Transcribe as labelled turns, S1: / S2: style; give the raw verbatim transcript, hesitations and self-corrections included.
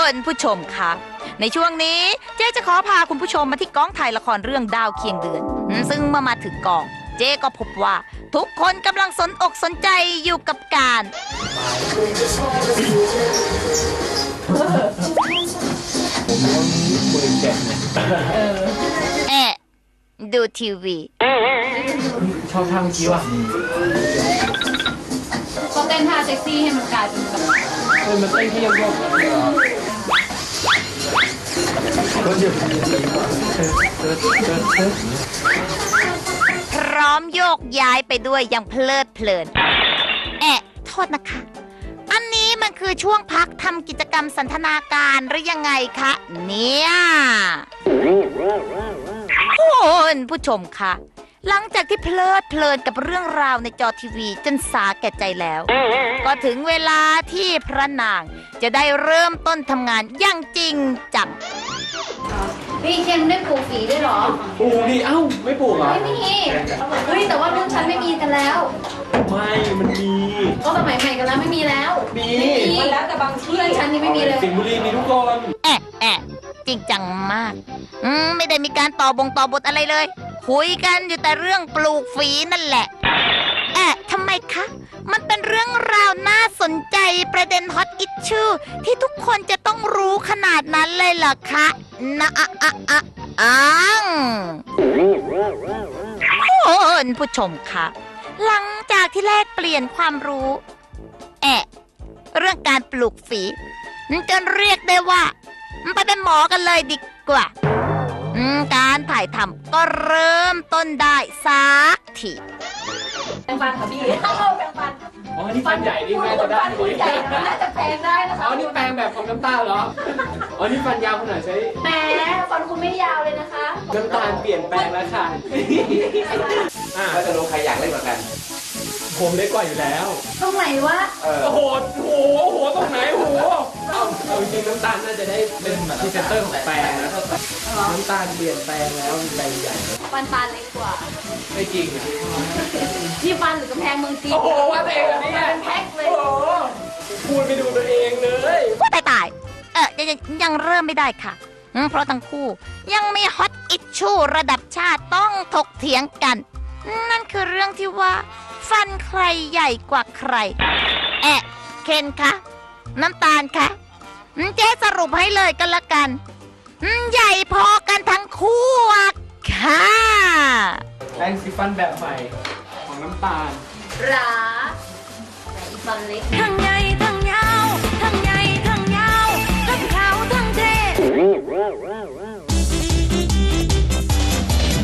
S1: ณผู้ชมคะในช่วงนี้เจ๊จะขอพาคุณผู้ชมมาที่กองถ่ายละครเรื่องดาวเคียงเดือนซึ่งเมื่อมาถึงกองเจ๊ก็พบว่าทุกคนกำลังสนอกสนใจอยู่กับการแอะดูทีวี
S2: ชอบท่าเมื่อกี้ว่ะ
S3: ก็เต้นท่าเซ็กซี่ให้มันกลายเป็นแบบ
S2: เฮ้ยมันเต้นแค่โยกโยกก็หยุด
S1: พร้อมโยกย้ายไปด้วยอย่างเพลิดเพลินแอะโทษนะคะอันนี้มันคือช่วงพักทำกิจกรรมสันทนาการหรือยังไงคะเนี่ยคุณผู้ชมคะหลังจากที่เพลิดเพลินกับเรื่องราวในจอทีวีจนสาแก่ใจแล้วก็ถึงเวลาที่พระนางจะได้เริ่มต้นทำงานอย่างจริงจัง
S3: พี่เคนได้ปลูกฝีด้วยหรอ
S2: ปลูกดิเอ้าไม่ปลูกเหรอ
S3: ไม่มีเฮ้ยแต่ว่ารุ่นฉันไม่มีกันแล้ว
S2: ไม่มันมี
S3: ก็สมัยใหม่กันแล้วไม่มีแล้ว
S2: มี
S3: มันแล้วแต่บางที่ฉันนี่ไม่มีเลย
S2: สิงห์บุรีมีทุกคน
S1: แอะแอะจริงจังมากอืมไม่ได้มีการต่อบงต่อบทอะไรเลยคุยกันอยู่แต่เรื่องปลูกฝีนั่นแหละแอะทำไมคะมันเป็นเรื่องราวน่าสนใจประเด็นฮอตอิชชูที่ทุกคนจะต้องรู้ขนาดนั้นเลยเหรอคะนะอะอะอะอังคุณผู้ชมคะหลังจากที่แลกเปลี่ยนความรู้แอะเรื่องการปลูกฝีจนเรียกได้ว่าไปเป็นหมอกันเลยดีกว่าการถ่ายทำก็เริ่มต้นได้สักที
S3: แปรงฟันค่ะพี่แปรงฟัน
S2: อ๋อนี่ฟันใหญ่นี่แม่จะได้
S3: ฟันใหญ่น่าจะแปรงได้นะคะ
S2: อ๋อนี่แปรงแบบของน้ำตาลเหรออ๋อนี่ฟันยาวขนาดใช้
S3: แหมฟันคุณไม่ยาวเลยนะคะ
S2: น้ำตาลเปลี่ยนแปลงแล้วค่ะ
S4: ก็จะรู้ใครอยากเล่นเหมือนกัน
S2: ผมเล็กกว่าอยู่แล้ว
S3: ตรงไหนวะ
S2: โอ้โหโอ้โหโอ้โหตรงไหนโอ้โหเอาเอาจริงน้ำตาลน่าจะได้เป็นพรีเซนเตอร์ของแปรงนะน้ำตาลเปลี่ยนแปลงแล้วใบใหญ่
S3: ฟันตาเล็กกว่า
S2: ไม่จริงอ่ะ
S3: ที่ฟันหรือกำแพงเมืองจีน
S2: โอ้โหว่าตัวเองอันนี้
S3: เป็นแพ็คเลย
S2: โอ้โหพูดไปดูตัวเองเลย
S1: ว่าตายตายเออยังยังเริ่มไม่ได้ค่ะเพราะทั้งคู่ยังมีฮอตอิชชูระดับชาติต้องถกเถียงกันนั่นคือเรื่องที่ว่าฟันใครใหญ่กว่าใครแอะเคนคะน้ำตาลคะเจ๊สรุปให้เลยกันละกันใหญ่พอกันทั้งคู่ค่ะ
S2: แปรงสีฟันแบบใหม่ของน้ำตาล
S3: หราแต่อีฟันเล็ก
S1: ทั้งไง